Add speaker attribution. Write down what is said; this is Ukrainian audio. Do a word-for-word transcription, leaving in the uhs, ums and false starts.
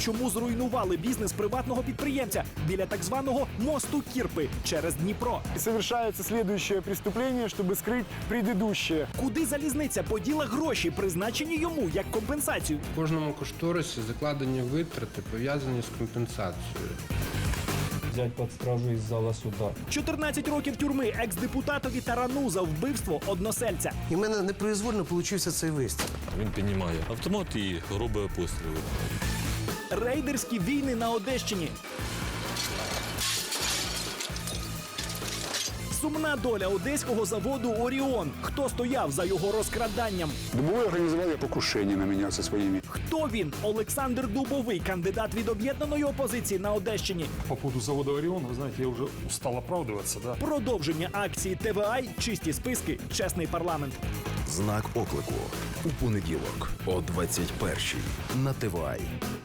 Speaker 1: чому зруйнували бізнес приватного підприємця біля так званого мосту Кірпи через Дніпро.
Speaker 2: И совершается следующее преступление, чтобы скрыть предыдущее.
Speaker 1: Куди залізниця поділа гроші, призначені йому як компенсацію?
Speaker 3: В кожному кошторисі закладені витрати, пов'язані з компенсацією.
Speaker 4: Взять под стражу из зала суда.
Speaker 1: чотирнадцять років тюрми екс-депутатові Тарану за вбивство односельця.
Speaker 5: І в мене непроизвольно получився цей вистріл.
Speaker 6: Він піднімає автомат і робить постріли.
Speaker 1: Рейдерські війни на Одещині. Сумна доля одеського заводу «Оріон». Хто стояв за його розкраданням?
Speaker 7: Дубовой организовал покушение на меня со своими.
Speaker 1: Хто він? Олександр Дубовий, кандидат від об'єднаної опозиції на Одещині.
Speaker 8: По поводу завода «Орион», вы знаете, я уже устал оправдываться, да?
Speaker 1: Продовження акції Т В А, чисті списки, чесний парламент.
Speaker 9: Знак оклику у понеділок о двадцять першій на Т В А.